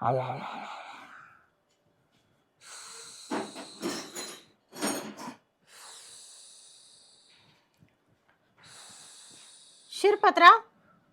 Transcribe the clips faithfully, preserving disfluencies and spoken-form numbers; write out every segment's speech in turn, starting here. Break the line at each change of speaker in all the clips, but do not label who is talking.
आला आला
शिरपतराव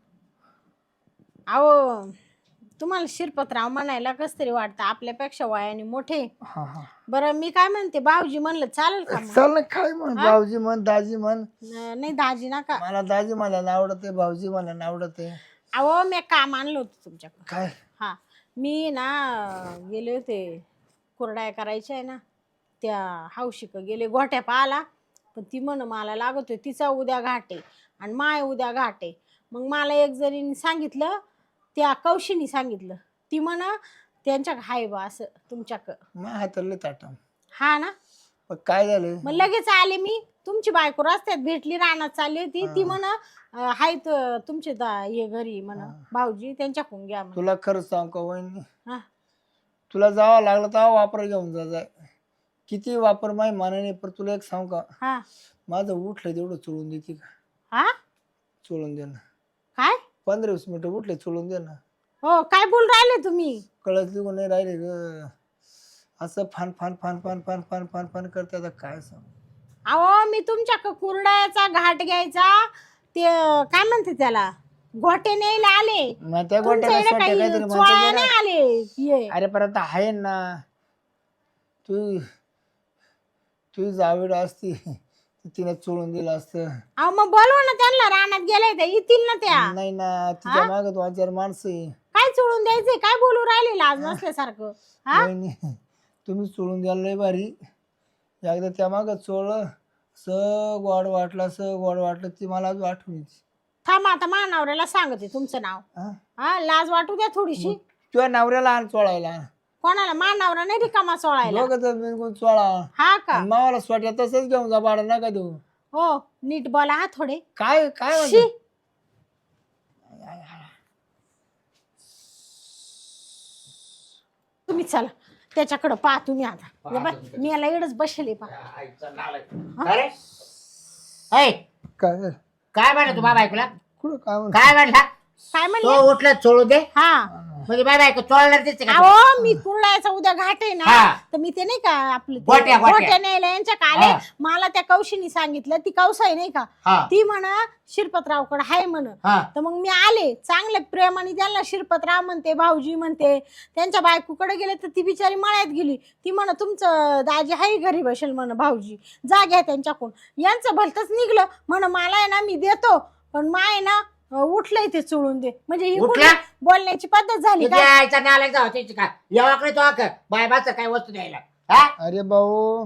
अहो तुम्हाला शिरपतराव म्हणायला कस तरी वाटतं आपल्यापेक्षा वयाने मोठे.
हा हा
बरं मी काय म्हणते भाऊजी म्हणलं चालेल का मग?
चल ना काय म्हण भाऊजी म्हण दाजी म्हण.
न- नाही दाजी नका.
मला दाजी मला आवडते भाऊजी मला आवडते.
अहो मी काम आणलं होतं तुमच्याकडे.
काय
हा मी ना गेले होते कुरड्या करायच्या आहे ना त्या हौशिक गेले गोठ्या पाहाला पण ती म्हण मला लागत होती तिचा उद्या घाटे आणि माय उद्या घाटे. मग मला एक जणीने सांगितलं त्या कौशीनी सांगितलं ती म्हण त्यांच्या हाय बा असं तुमच्याक.
मग हातरले ताटा.
हा ना
पण काय झालं
मग लगेच आले मी. तुमची बायको रस्त्यात भेटली रानात चालली होती ती म्हण हाय तुमचे दा- हे घरी म्हण भाऊजी त्यांच्याकडून घ्या म्हण.
तुला खरंच सांग का वहिनी
हा
तुला जावं लागलं तर वापर घेऊन जा जाय किती वापर माही मानाने पण तुला एक सांग का
हा
माझं उठलं तेवढं चोळून देते का
हा
चोळून दे ना
काय
पंधरा वीस मिनिटं उठले चोळून दे ना.
हो काय बोल राहिले तुम्ही?
कळत लिहून नाही राहिले ग असं फान फान फान फान फान फान फान फान करते आता काय सांग.
अहो मी तुमच्या कुरड्याचा घाट घ्यायचा ते काय म्हणते त्याला गोटे न्यायला आले.
मग त्या
तुमच्या
गोट्याला
इकडे
सोट्या
काही
काहीतरी म्हणतात
चोळायला
ना.
नाही आले ये.
अरे परत आहे ना तू तुझी जावीड असती तिने चोळून दिलं असतं.
अहो मग बोलवा ना त्यांना रानात गेले ते येतील ना त्या.
नाही ना तिच्या मागत वाचार माणसं आहे.
काय चोळून द्यायचंय काय बोलू राहिले लाज नसल्यासारखं. हा
नाही तुम्ही चोळून द्याल लय भारी एकदा त्या मागं चोळलं स गोड वाटलं स गोड वाटलं ती मला आज आठवणीची.
थांबा आता मानावऱ्याला सांगते तुमचं नाव.
हा
हा लाज वाटू द्या थोडीशी.
तुझ्या नवऱ्याला आण चोळायला
कोणाला मानावरा नाही रिकामा चोळायला.
दोघं जण मिळून चोळा
हा का
आणि मावाला स्वट्या तसंच घेऊन जा भाडं नका देऊ.
हो नीट बोला हा थोडे.
काय काय
शी.
म्हणते
तुम्ही चला त्याच्याकडे पहा तुम्ही आता ये बाय, मी याला एवढंच बसले पहा.
अरे ऐ,
काय
काय म्हणलं तू बाबा ऐकूला
कुठं काय म्हणत
काय म्हणला
काय
तो
म्हणले?
उठला चोळू दे
हा
म्हणजे बाबा ऐकू चोळणार दिसते का
अहो मी कुर्लायचा उद्या घाट आहे ना
हा.
तर मी ते नाही का आपलं ते
गोट्या, गोट्या.
गोट्या न्यायला यांच्या आले.
हा.
मला त्या कौशीनी सांगितलं ती कौसाई नाही का
हा
ती म्हणा शिरपतरावकडे हाय म्हण.
हा
तर मग मी आले चांगल्या प्रेमाने त्यांना शिरपतराव म्हणते भाऊजी म्हणते त्यांच्या बायकोकडे गेले तर ती बिचारी मळ्यात गेली. ती म्हण तुमचं दाजी हाय घरी बसेल म्हण भाऊजी जा घ्या त्यांच्याकडून. यांचं भलतच निघलं म्हण मला आहे ना मी देतो पण माय ना उठलंय ते चोळून दे म्हणजे ही
उठला?
कुठली बोलण्याची पद्धत झाली का?
यायचा नालायक जाऊ त्याची का यावाकडे तो आक बाय बाच काय वस्तू द्यायला हा
अरे भाऊ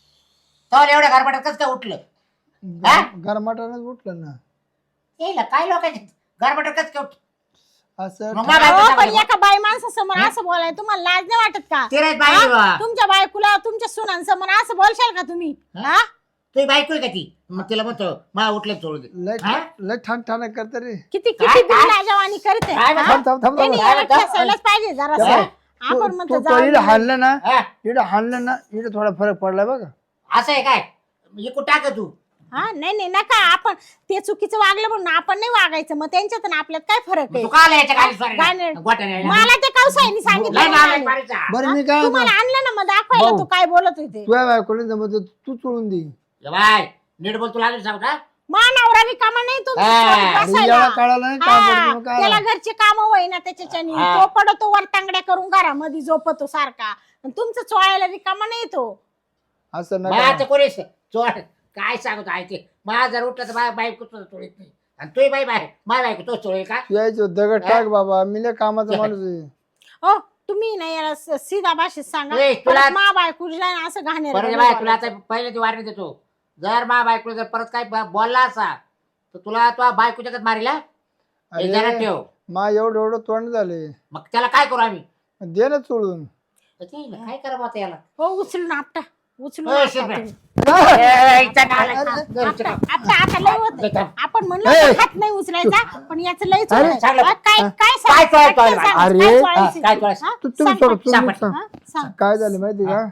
तो एवढ्या घरपाटात कसं काय उठलं हा?
गरमाटानच उठलं ना
येईल काय लोकांचे घरपाटात कसं काय उठलं
असं
मग मला
अहो,
बायकोचं
पण
सांगायचं.
एका बाई माणसासमोर असं बोलाय तुम्हाला लाज नाही वाटत का?
ते रे बाई
हा?
बा.
तुमच्या बायकोला तुमच्या सुनांसमोर असं बोलशाल का तुम्ही? हा
तुझी बायको आहे का ती मग तिला म्हणतो मला उठलं चोळू दे
लय
हा?
लय ठाण ठाण करत रे.
किती
काय-
किती
काय?
लाजवानी करते
काय
हा?
थांब थांब थांब
त्यांनी
थांब.
याला
काय-
ठेसायलाच पाहिजे जरा
काय?
आपण
तू
म्हणतो
तू
जाऊ
इकडे
दे.
हाणलं ना
हा?
इकडे हाणलं ना इकडे थोडा फरक पडला बघा.
असं आहे काय इकून टाक तू
हा नाही नाही नका आपण ते चुकीचं वागलं म्हणून आपण नाही वागायचं मग त्यांच्यात आणि आपल्यात काय फरक
मग
आहे?
तू का आला याच्या खाली स्वारी
गाणे-
गोट्याने
मला ते कौसाईनी सांगितलं
लय नालायक
म्हणाले.
मारीचा.
बरं मी काय
तुम्हाला आणलं ना मग दाखवायला
भाऊ.
तू काय बोलत होते.
तुझ्या बायकोने जमत तू चोळून दे.
ये बाय नीट बोल तुला अजून सांगू का
मानावरा रिकामा नाही तो
हा.
सोबत
अरे
बसायला.
याला कळालं नाही काम
हा,
करतो मग काय
त्याला घरचे काम होईना त्याच्याच्यानी
हा.
तो पडतो वर तांगड्या करून घरामध्ये झोपतो सारखा आणि तुमचं चोळायला रिकामा नाही तो.
असं
माझं
नका
कोणी चोट काय सांगतो ऐकते माझा जर उठलं तर माझ्या बायको तुझं चोळीत नाही आणि तुही बाई बाय माझ्या बायको तो चोळेल का
यायचं दगड टाक बाबा मी लय कामाचा माणूस आहे.
हो तुम्ही नाही याला स- सीधा भाषेत सांगा
ए, तुला-
परत मा बायकुला असं
परत
घाणेरडं
बाय
नाही
तुला आता
बोलायचं.
पहिले ती वारणी देतो जर माझ्या बायको जर परत काय ब- बोलला असा तर तुला तो बायको जगत मारीला हे जरा
अरे
ठेव
मा एवढं एवढं तोंड झाले
मग त्याला काय करू आम्ही
दे ना चोळून.
तर ते हिला काय करा आता याला
हो उचलून आपटा उचलून
हो,
आपटा
शिरपे.
तुम्ही.
ए, इथं नालायक.
आपटा आपटा आता लय होत
लय थांब.
आपण म्हणलो
ए.
ना, हात नाही उचलायचा पण याचं लय
अरे,
चोळायचं.
चांगलं.
हा, काय काय
काय
सांग-
चोळायचं?
काय सांग-
अरे,
काय
हा,
चोळायचं?
काय चोळायचं?
हा?
तू तुम्ही
सांग
सोड
पटकन.
तुम्ही
सांग.
सांग.
हा? सांग.
काय झालं माहिती का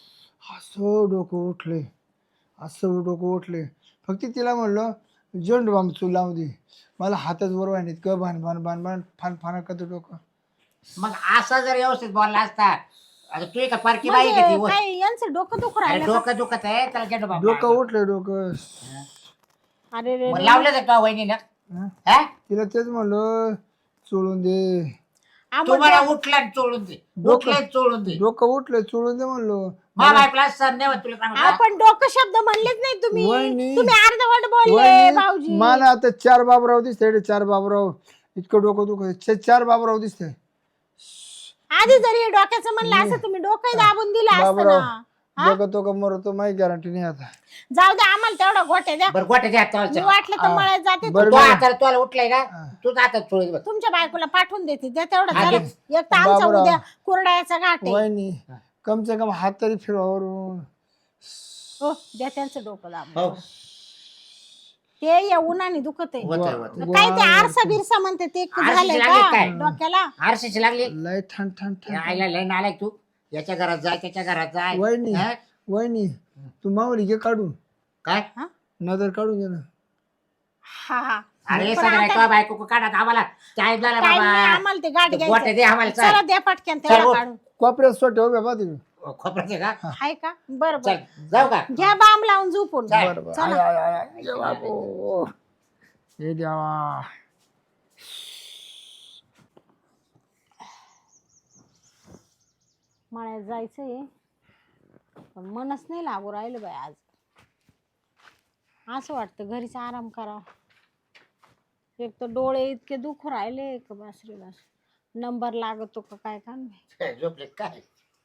असं डोकं उठले असं डोकं उठले फक्त तिला म्हणलं झेंडू बाम चू लावून दे मला हातच बरोबर नाही इतकं भान भान भान भान फान फान करतो डोकं
मग असा जर व्यवस्थित बोलला असता आता तू का पारखी बाई का ती
म्हणजे
वर?
काय यांचं डोकं दुखू
अरे
राहिलं का?
डोकं दुखत आहे त्याला गेलो बाबा
डोकं उठलं डोकं.
अरे रे
मग
रे.
लावलं का वहिनी ना
हं?
हा
तिला तेच म्हणलं चोळून दे.
आम्हाला
तुम्हाला उठला आणि चोळून दे उठले चोळून दे
डोकं उठलं चोळून दे म्हणलो.
मा बायकोला सण नाही होत तुला सांगू का?
आपण डोकं शब्द म्हणलेच नाही तुम्ही
वहिनी.
तुम्ही अर्धवट बोलले
वहिनी,
भाऊजी.
मला आता चार बाबराव दिसते चार बाबराव इतकं डोकं दुखत चार बाबराव दिसते.
आधी जरी डोक्याचं म्हणलं असं तुम्ही डोकं दाबून दिलं असतं
बाबराव
ना.
डोकं तो का मरतो माहिती गॅरंटी नाही आता.
जाऊ दे आम्हाला तेवढा गोट्या द्या.
बरं गोट्याच्या
मी
हातावर
वाटलं तर मळ्यात जाते
बरं,
तो आता तुला उठलाय ना तू आता चोळीत बस
तुमच्या बायकोला पाठवून देते द्या तेवढं
हा,
झालं.
दे.
एक तर आमचा
बाबराव.
उद्या कुरड्याचा घाट आहे.
वहिनी कम से कम हात तरी फिरवावरून.
हो द्या त्यांचं डोकं दाबून.
हो
ते या उन्हाने दुखत आहे.
होतंय, होतंय.
काय ते आरसा बिरसा म्हणते ते
आरशाची
झालंय
लागली
का
काय?
डोक्याला?
आरशीची लागली
लय ठण ठण ठण.
आईला लय नालाय तू याच्या घरात जाय त्याच्या घरात जाय
वहिनी
हा?
वहिनी तू मावली घे काढून
काय
नजर काढून घे ना.
हा हा
अरे
पण
सगळ्या
आता-
तो बायको को काढा आम्हाला टाइम झाला
काय नाही,
बाबा
आम्हाला ते गाठ
गोट्या
घ्यायचं.
दे आम्हाला
चला
चल
द्या पटक्यान
चल,
तेवढा
उठ.
काढून.
कोपऱ्यात सोटे उभ्या पहा तिकडे.
खोबऱ्याचे का
हाय का बरं
चल
बरं
जाऊ का
घ्या बाम लावून झोपून.
चल.
बरं बरं.
चला.
आय, आय, आय, ये बाबो. हे देवा.
मळ्यात जायचंय पण मनच नाही लागू राहिलं बाई आज. असं वाटतं घरीच आराम करा. एक तर डोळे इतके दुखू राहिले का बस रे बस. नंबर लागतो का काय का नाही.
झोपले काय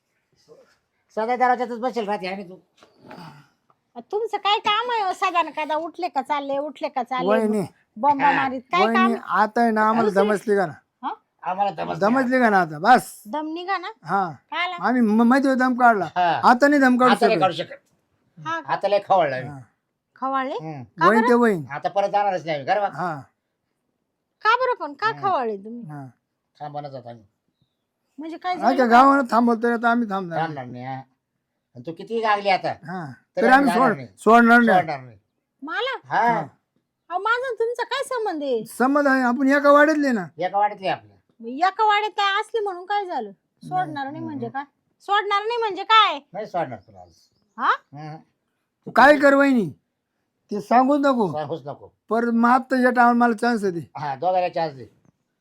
सदा दरवाजातच बसेल राहते आणि तू
तुमचं काय काम आहे साधारण कादा उठले का चालले उठले का चालले
वहिनी
बॉम्बा मारीत काय काम.
वहिनी आता आहे ना आम्हाला दमसली का ना.
हा?
आम्हाला दमस नाही.
दमसली का ना आता बस.
दम निघा ना
हा
काय आला?
आम्ही म- माहिती होतं दम काढला.
हा.
आता नाही दम काढू
आता नाही
शकत.
काढू शकत
हा
आता लय खवळला
हा.
खवाळले
हम्म.
वहीन ते वहीन.
आता परत जाणारच नाही घर
हा
का बरं पण का खवाळले तुम्ही
हा
थांबवणार जात आम्ही
म्हणजे काय
आमच्या
झालं?
गावाला थांबवतोय आता आम्ही थांबणार.
थांबणार नाही हा. आणि तू किती गागली आता
हा
तरी
तरी आम्ही
आम्ही जाणार
सोड
नाही.
सोडणार नाही.
सोडणार नाही
मला
हा
अहो माझा तुमचा काय संबंध आहे?
समज आहे आपण एका वाढतले ना.
एका वाढतली आपल्या
मग एका वाड्यात काय असली म्हणून काय झालं? सोडणार नाही म्हणजे काय? सोडणार नाही म्हणजे काय?
नाही सोडणार तुला आज
हा
हम्म.
तू काय कर वहिनी ते सांगूच नको.
सांगूच नको
परत मात या टाइम मला चान्स दे.
हा दोघांना चान्स दे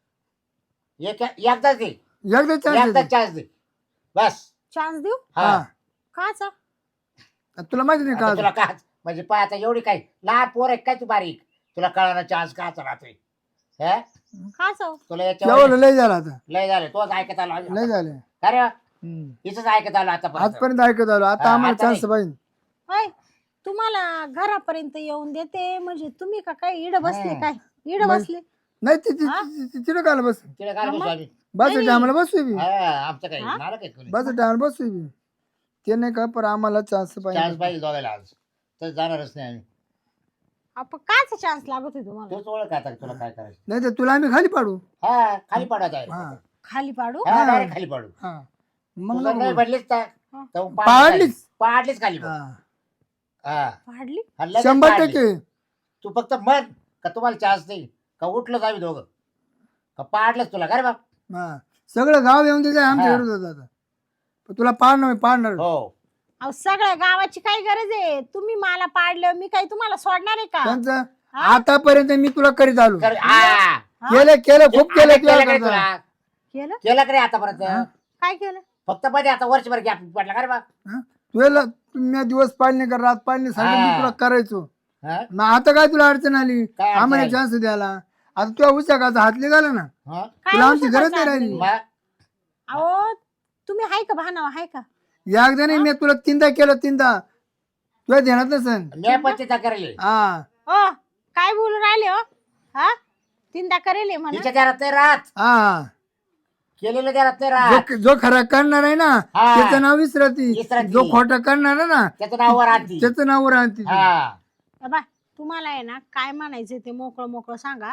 एक एकदाच दे
एकदा चान्स
एकदाच
दे.
चान्स दे बस
चान्स देऊ?
हा
हा
काचा?
तुला माहिती नाही
आता
का
तुला का म्हणजे पाय आता एवढी काय लहान पोर आहे काय तू बारीक तुला कळणार चान्स काचा राहतोय हे
काचा?
तुला याच्यावर
केवळ लय झाला आता.
लय झालं तोच ऐकत आलो
लय झाले.
अरे
हम्म.
हिच ऐकत आलो आता
आजपर्यंत ऐकत आलो आता
हा,
आम्हाला
आता
चान्स
नाही.
पाहिजे.
होय तुम्हाला घरापर्यंत येऊन देते म्हणजे तुम्ही का काय इड बसले
हा.
काय इड
मग-
बसले?
नाही ती ती-
हा?
ती- ती- तिला काय बस
तिला काय बसू आम्ही
बस
नाही.
टायमाला बसू बी.
हा, आमचं काही
हा?
नाला काही कोणी
बस टायमाला बसू बी. ते नाही का पण आम्हाला चान्स
चान्स
पाहिजे.
पाहिजे दोघायला आज तर जाणारच नाही आम्ही
आपण काचा चान्स लागत आहे तुम्हाला?
तोच ओळख आता तुला काय करायचं
नाही तर तुला आम्ही खाली पाडू.
हा खाली पडत आहे
हा
खाली पाडू?
हा, direct खाली पडू
हा मग
तू जर
नको
नाही
बोलू.
पडलीच तर
हा.
तर पाडलीच
पाडलीच.
खाली. पाडलीच खाली पड.
हा.
हा
पाडली?
हा, लगेच
शंभर
पाडली.
टक्के.
तू फक्त म्हण का तुम्हाला चान्स नाही का उठलं जावी दोघं का पाडलंच तुला काय बाप
हा सगळं गाव येऊन तिथे आमच्या
हा.
विरोधात आता. पण तुला पाडणार पाडणार.
हो
अहो सगळ्या गावाची काय गरज आहे? तुम्ही मला पाडलं मी काय तुम्हाला सोडणार आहे का?
त्यांचं
हा?
आतापर्यंत मी तुला करीत आलो.
कर- हा.
केलं केलं खूप केलं
आता केलं का रे
तुला
तुला
केलं?
केलं का रे आतापर्यंत
काय केलं?
फक्त मध्ये आता वर्षभर गॅप पडला का रे बा
तुला तुम्ही दिवस पाळणे कर रात पाळणे सांगितलं मी
हा.
तुला करायचो.
हा?
मग आता काय तुला अडचण आली
काय अडचण
आम्हाला
आली?
चान्स द्यायला. आता तुला उचाकाचा हात निघाला ना
हा?
काय
तुला आमची
औषधाचं
गरज नाही
आणलं
राहिली.
मी?
मग?
अहो तुम्ही हाय का भानावा हाय का?
एकदा नाही मी तुला तीनदा केलं तीनदा तुला ध्यानात नसेल.
मी पण तिथं करेल
हा
ओ काय बोलून राहिले हो? हा तीनदा करेल म्हणा.
तिच्या घरात नाही राहत
हा
केलेलं घरात नाही राहत
जो जो खरा करणार आहे ना
हा.
त्याचं नाव विसरती.
विसरती.
जो खोटा करणार आहे ना
त्याचं नाव राहते
त्याचं नाव राहते.
हा
बाबा तुम्हाला आहे ना काय म्हणायचं ते मोकळं मोकळं सांगा.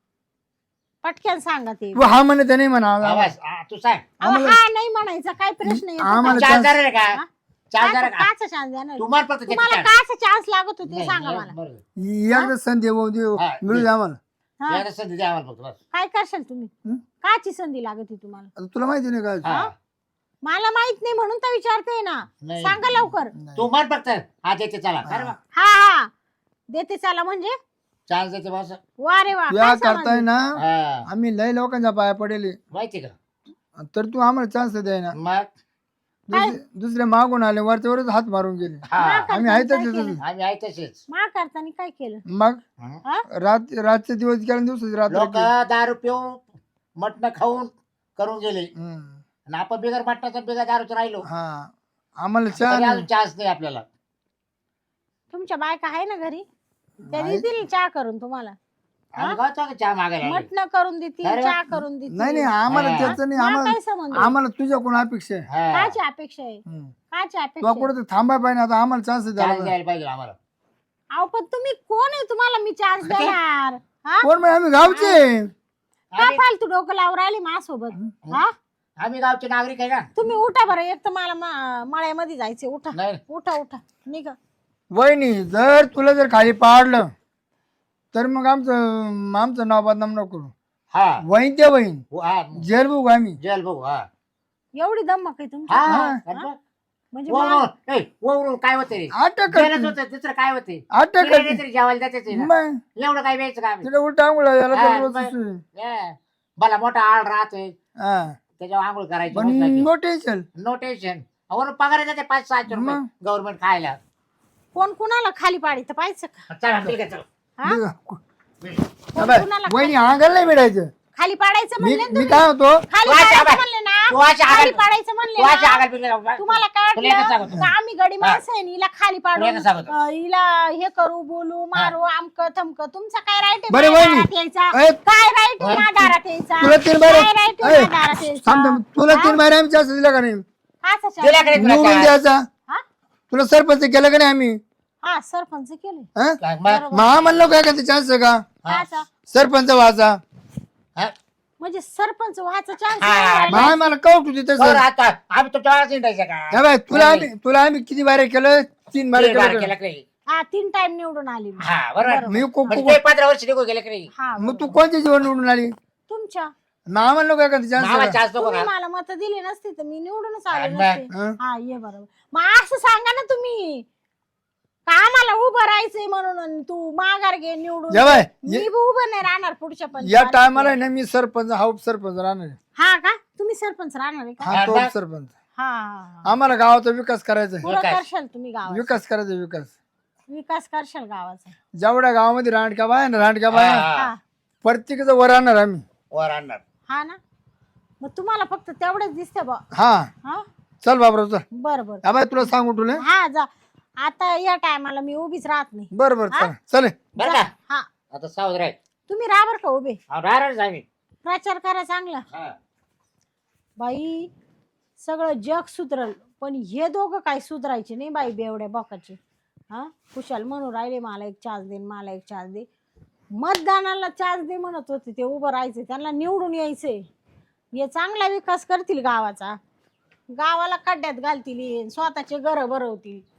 पटकन सांगा ते.
तू हा म्हणत नाही म्हणा.
आवाज हा, तू सांग
अहो, हा नाही म्हणायचा काय प्रश्न येतो का?
आम्हाला
चार
chance-
हजार आहे का
हा?
चार हजार
काचा
का
काचा चान्स देणार?
तू मार फक्त त्याची
तुम्हाला
chance.
काचा चान्स लागत होते
नाही,
सांगा
नाही,
मला.
बरोबर.
एकदा संधी देऊ देऊ
हा,
मिळू
दे.
द्या आम्हाला.
हा.
एकदा संधी द्या आम्हाला फक्त बस.
काय करशाल तुम्ही
हं?
काची संधी लागत आहे तुम्हाला
आता तुला माहिती नाही काय
हा.
मला माहित नाही म्हणून तर विचारते ना
नाही.
सांगा लवकर
तू म्हण फक्त हा देते चला खरं बा.
हा हा देते चला म्हणजे
चान्स देते बस.
वा रे वा
तुया
काय
करताय
समजलं?
ना
हा.
आम्ही लय लोकांच्या पाया पडेल
माहिती का
तर तू आम्हाला चान्स द्याय ना
मग
दुसरे दुसरे मागून आले वरच्या वरच हात मारून गेले
हा
मा
आम्ही
करताना
आहे
काय
तसंच.
केलं?
आम्ही आहे तसेच
मा करताना काय केलं
मग
हं?
हा?
रात रातचे दिवस गेल्या दिवसाची रात्र
लोक
गेली.
दारू पिऊन मटण खाऊन करून गेले
हम्म.
आणि आपण बिगर मटणाचा बिगर दारूच राहिलो
हा आम्हाला
तरी
चहा
अजून चान्स नाही आपल्याला.
तुमच्या बायका आहे ना घरी त्या
नाही.
देतील चहा करून तुम्हाला
आम्ही काय चालू चहा मागायला आलोय.
मटण करून देतील
अरे वा.
चहा करून देतील
नाही नाही आम्हाला
हा.
त्याचं नाही
मा
आम्हाला
काय संबंध
आम्हाला तुझ्याकडून अपेक्षा आहे
हा.
काची अपेक्षा आहे
हम्म.
काची
तू
अपेक्षा आहे?
कुठं तर थांबाय पाहिजे आता आम्हाला चान्स
चान्स
द्यायला
द्यायला पाहिजे आम्हाला.
अहो पण तुम्ही कोण आहे तुम्हाला मी चान्स देणार हा
कोण म्हणजे आम्ही गावचे
का
आम्ही
फालतू डोकं लावून राहिली माझ्यासोबत हा
आम्ही गावचे नागरिक आहे ना.
तुम्ही उठा बरं एक तर मला मा- मळ्यामध्ये जायचे उठा
नाही
उठा उठा निघा
वहिनी जर तुला जर खाली पाडलं तर मग आमचं आमचं नाव बदनाम नको करू
हा
वहीन ते वहीन
हो, हा
जेल बघू आम्ही
जेल बघू हा
एवढी दमक आहे तुमची
हा
हा.
अरे बघ.
म्हणजे
वळून,
मा-
ए, वळून काय होते रे
अटक
जेलच
करते
होतं दुसरं काय होते
अटक
तिकडे
करते
तरी जेवायला जातेच ना.
मग
एवढं काय व्यायचं का आम्ही?
तिला उलटा आंघोळ याला
हा,
तर रोज
मग.
सुरू.
Yeah. मला मोठा आळ राहतोय
हा
त्याच्यावर आंघोळ करायची
पण नो टेन्शन
नो टेन्शन वरून पगार जाते पाच सहाशे रुपये
मग.
गव्हर्नमेंट खायला.
कोण कुणाला खाली पाडी तर पाहिजे का
चला ठीक आहे चल.
हा? कोण
अबे,
कुणाला
वहिनी अंगाला नाही मिळायचं
खाली पाडायचं
मी
म्हणले ना
मी
तुम्ही?
काय होतो
खाली
तू अशी
पाडायचं
आगाल-
म्हणले ना
तू अशी
खाली
आगाल-
पाडायचं म्हणले
तू अशी
ना?
आगाल बिगाल बाबा.
तुम्हाला काय
तुला एकच
वाटलं
सांगतो.
का आम्ही गडी माणसं आहे आणि हिला खाली पाडू
तुला एकच सांगतो.
अं, हिला हे करू बोलू मारू आमक थमक तुमचा काय राईट
बरं,
आहे
वहिनी.
दारात यायचा
ए,
काय राईट आहे ना दारात यायचा
तुला तीन बार
काय राईट आहे ना दारात यायचा
थांब थांब. तुला तीन बार आम्ही चान्स दिला का नाही
हा सचा.
दिला का नाही तुला
निवडून
chance?
द्यायचा
हा
तुला सरपंच केलं का नाही आम्ही
हा सरपंच केले
हा?
काय मग?
मग म्हणलो काय का चान्स आहे का
काचा?
सरपंच व्हायचा
हा?
म्हणजे सरपंच व्हायचा चान्स
हा,
मग मला कौट होती
बरं,
तसं
आता आम्ही तुमच्या वेळेस हिंडायचं का
हा बाय, तुला
नाही.
आम्ही तुला आम्ही किती बारे केलं तीन बारे
तीन बार
केलं
केलं
का?
का नाही?
हा तीन टाइम निवडून आली मी.
हा बरोबर
मी को-
म्हणजे
को-
ते पंधरा वर्ष निघून गेले की नाही
हा
मग तू
बरोबर.
कोणत्या जीवन निवडून आली
तुमच्या
ना म्हणलो काय का चान्स
मला चान्स नको
तुम्ही
का
मला मत दिली नसती तर मी निवडूनच आले
आणि
नसते
हं?
हा ये बरोबर मग असं सांगा ना तुम्ही का आम्हाला उभं राहायचंय म्हणून आणि तू माघार घे निवडून
जेवाय,
मी
ये-
बी उभं नाही राहणार पुढच्या पण
या टायमाला ना मी सरपंच हा उपसरपंच राहणार आहे.
हा का तुम्ही सरपंच राहणार आहे का
हा तो
हा,
उपसरपंच
हा हा, हा.
आम्हाला गावाचा विकास करायचा आहे.
पुरं
विकास.
करशाल तुम्ही गावाचा
विकास करायचा विकास
विकास करशाल गावाचा
जेवढ्या गावामध्ये रांडक्या बाय ना रांडक्या बाय
हा.
हा
प्रत्येकाचं वर आणणार आम्ही
वर आणणार
हा ना मग तुम्हाला फक्त तेवढंच दिसते बा
हा
हा
चल बाबराव चल
बर बर
हा बाय तुला सांगू तुला
हा जा आता या टायमाला मी उभीच राहत नाही
बर बर चल चल
बरं का
हा
आता सावध राहील
तुम्ही राहा बरं का उभे
राहणारच आम्ही
प्रचार करा चांगला
हा.
बाई सगळं जग सुधरल पण हे दोघं काय सुधरायचे नाही बाई बेवड्या बोकाचे हा कुशाल म्हणून राहिले मला एक चार्ज दे मला एक चार्ज दे मतदानाला चार्ज दे म्हणत होते ते उभं राहायचे त्यांना निवडून यायचे हे चांगला विकास करतील गावाचा गावाला खड्ड्यात घालतील स्वतःचे घरं भरवतील